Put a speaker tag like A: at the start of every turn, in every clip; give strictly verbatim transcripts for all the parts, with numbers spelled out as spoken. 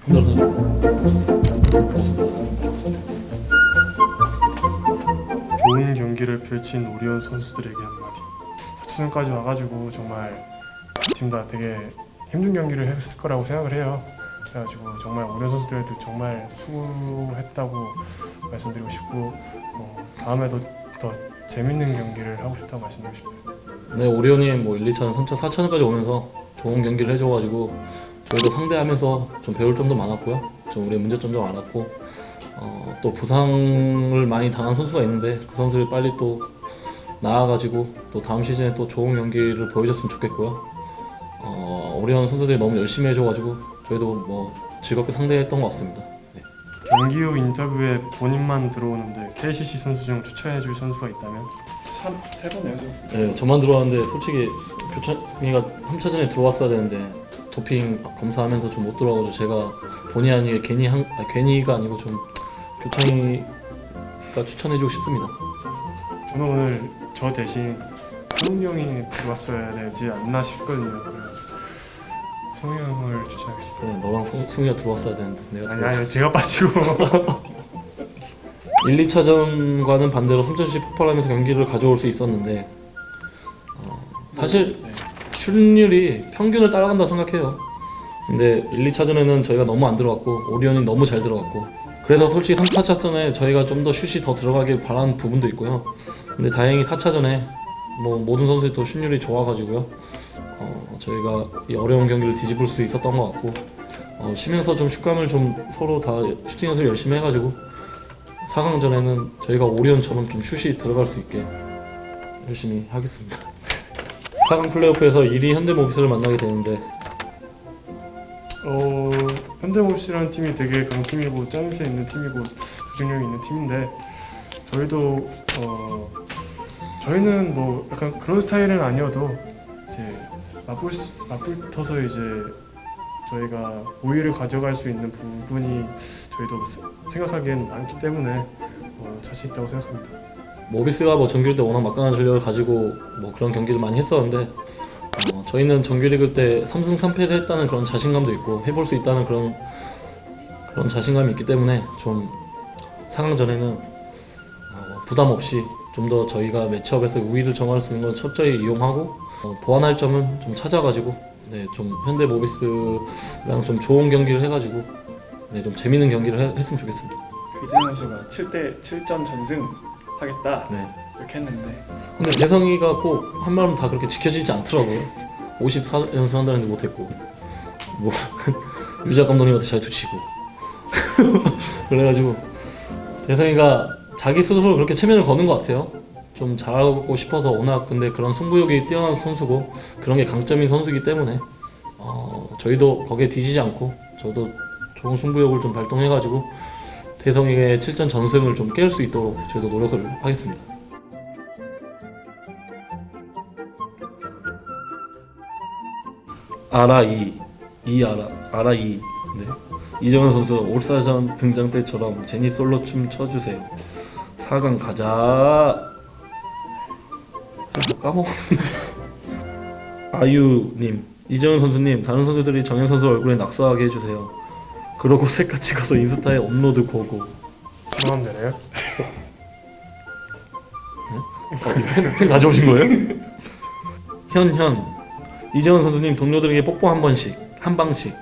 A: 좋은 경기를 펼친 오리온 선수들에게 한마디. 사 차전까지 와가지고 정말 팀 다 되게 힘든 경기를 했을 거라고 생각을 해요. 그래가지고 정말 오리온 선수들한테 정말 수고했다고 말씀드리고 싶고 어, 다음에도 더 재밌는 경기를 하고 싶다고 말씀드리고 싶어요.
B: 네, 오리온이 뭐 일, 이 차전, 삼 차전, 사 차전까지 오면서 좋은 경기를 해줘가지고 저희도 상대하면서 좀 배울 점도 많았고요. 좀 우리의 문제점도 많았고 어, 또 부상을 많이 당한 선수가 있는데 그 선수들이 빨리 또 나아가지고 또 다음 시즌에 또 좋은 경기를 보여줬으면 좋겠고요. 어, 오리온 선수들이 너무 열심히 해줘가지고 저희도 뭐 즐겁게 상대했던 것 같습니다. 네.
A: 경기 후 인터뷰에 본인만 들어오는데 케이씨씨 선수 중 추천해줄 선수가 있다면?
C: 세 번이에요.
B: 네, 저만 들어왔는데 솔직히 교찬이가 삼 차전에 들어왔어야 되는데 도핑 검사하면서 좀 못 들어와가지고 제가 본의 아니게 괜히 한, 아니, 괜히가 아니고 좀 교찬이가 추천해주고 싶습니다.
A: 저는 오늘 저 대신 승훈이 형이 들어왔어야 되지 않나 싶거든요. 그래가지고 승훈이 형을 추천하겠습니다.
B: 그래, 너랑 성, 승우가 들어왔어야 되는데 내가
A: 아니
B: 들어왔어.
A: 아니 제가 빠지고
B: 일, 이 차전과는 반대로 삼 차전씩 폭발하면서 경기를 가져올 수 있었는데 어, 사실 슛률이 평균을 따라간다 생각해요. 근데 일, 이 차전에는 저희가 너무 안 들어갔고 오리온이 너무 잘 들어갔고 그래서 솔직히 삼, 사 차전에 저희가 좀 더 슛이 더 들어가길 바라는 부분도 있고요. 근데 다행히 사 차전에 뭐 모든 선수들이 또 슛률이 좋아가지고요. 어, 저희가 이 어려운 경기를 뒤집을 수 있었던 것 같고 어, 쉬면서 좀 슛감을 좀 서로 다 슈팅 연습을 열심히 해가지고 사 강전에는 저희가 오리온처럼 좀 슛이 들어갈 수 있게 열심히 하겠습니다. 사 강 플레이오프에서 일 위 현대모비스를 만나게 되는데
A: 어, 현대모비스라는 팀이 되게 강팀이고 짜임새 있는 팀이고 조직력이 있는 팀인데 저희도 어, 저희는 뭐 약간 그런 스타일은 아니어도 이제 맞불 맞불터서 이제 저희가 우위를 가져갈 수 있는 부분이 저희도 생각하기엔 많기 때문에 어, 자신 있다고 생각합니다.
B: 모비스가 뭐 정규리그 때 워낙 막강한 전력을 가지고 뭐 그런 경기를 많이 했었는데 어, 저희는 정규리그 때 삼 승 삼 패를 했다는 그런 자신감도 있고 해볼 수 있다는 그런 그런 자신감이 있기 때문에 좀 사 강전에는 어, 부담 없이 좀 더 저희가 매치업에서 우위를 정할 수 있는 걸 철저히 이용하고 어, 보완할 점은 좀 찾아가지고 네, 좀 현대 모비스랑 좀 좋은 경기를 해가지고 네, 좀 재밌는 경기를 해, 했으면 좋겠습니다.
C: 귀재현 선수가 칠 대 칠 전 전승 하겠다
B: 네.
C: 이렇게 했는데
B: 근데 대성이가 꼭 한 말은 다 그렇게 지켜지지 않더라고요. 오십사 연승 한다는데 못했고 뭐 유작 감독님한테 잘 투치고 그래가지고 대성이가 자기 스스로 그렇게 체면을 거는 것 같아요. 좀 잘하고 싶어서 워낙 근데 그런 승부욕이 뛰어난 선수고 그런 게 강점인 선수이기 때문에 어, 저희도 거기에 뒤지지 않고 저도 좋은 승부욕을 좀 발동해가지고 대성이의 칠 전 전승을 좀 깰 수 있도록 저희도 노력을 하겠습니다. 아라이 이 아라 아라이 네. 이정현 선수 올스타전 등장 때처럼 제니 솔로 춤 춰주세요. 사 강 가자. 까먹었는데. 아유님, 이정현 선수님, 다른 선수들이 정현 선수 얼굴에 낙서하게 해주세요. 그러고 셀카 찍어서 인스타에 업로드 고고.
A: 들어가면 되나요?
B: 어, 이 펜, 펜 가져오신 거예요? 현현, 이정현 선수님 동료들에게 뽀뽀 한 번씩, 한 방씩.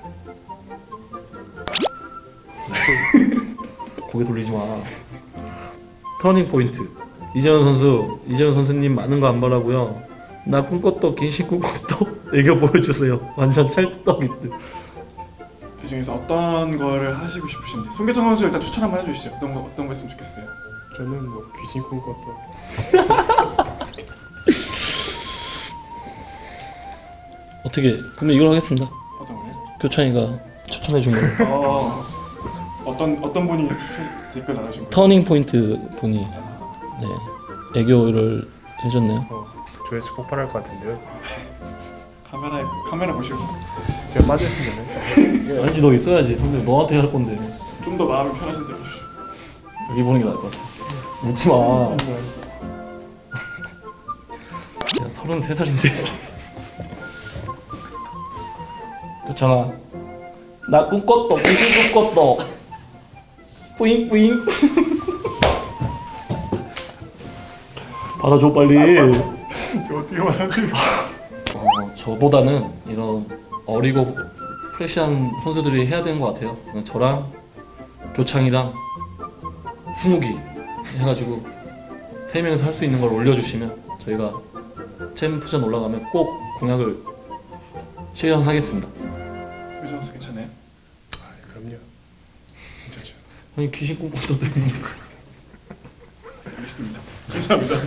B: 고개 돌리지 마. 터닝 포인트. 이재현 선수, 이재현 선수님 많은 거 안 바라고요. 나 꿈꿨도 긴신 꿈꿨도 애교 보여주세요. 완전 찰떡이듯.
C: 그 중에서 어떤 거를 하시고 싶으신지 송계정 선수 일단 추천 한번 해주시죠. 어떤 거 어떤 거 했으면 좋겠어요.
A: 저는 뭐 귀신 꿈꿨다.
B: 어떻게? 그러면 이걸 하겠습니다.
C: 어떤 거요?
B: 교찬이가 추천해 준 거.
C: 어 어떤 어떤 분이 추천 댓글 나누신 거예요?
B: 터닝 포인트 분이 네 애교를 해줬네요.
A: 어, 조회수 폭발할 것 같은데요.
C: 카메라에 카메라 보시고
A: 제가 빠졌으면 되네.
B: 아니지 너 있어야지. 선배 너한테 할 건데
C: 좀 더 마음이 편하신 대로 해주시죠.
B: 여기 보는 게 나을 것 같아. 웃지 마. 야 서른세 살인데. 교찬아 나 꿈꿨다. 귀신 꿈꿨다. 뿌잉 뿌잉. 받아줘 빨리.
C: 저 어떻게 말하지?
B: 어, 저보다는 이런 어리고 프레시한 선수들이 해야 되는 것 같아요. 저랑 교창이랑 스무기 해가지고 세 명이서 할 수 있는 걸 올려주시면 저희가 챔프전 올라가면 꼭 공약을 실현하겠습니다.
C: 소개 선수 괜찮아요?
A: 아, 그럼요. 괜찮죠.
B: 형이 귀신 꿈꿨다 했는데.
C: 알겠습니다. 감사합니다.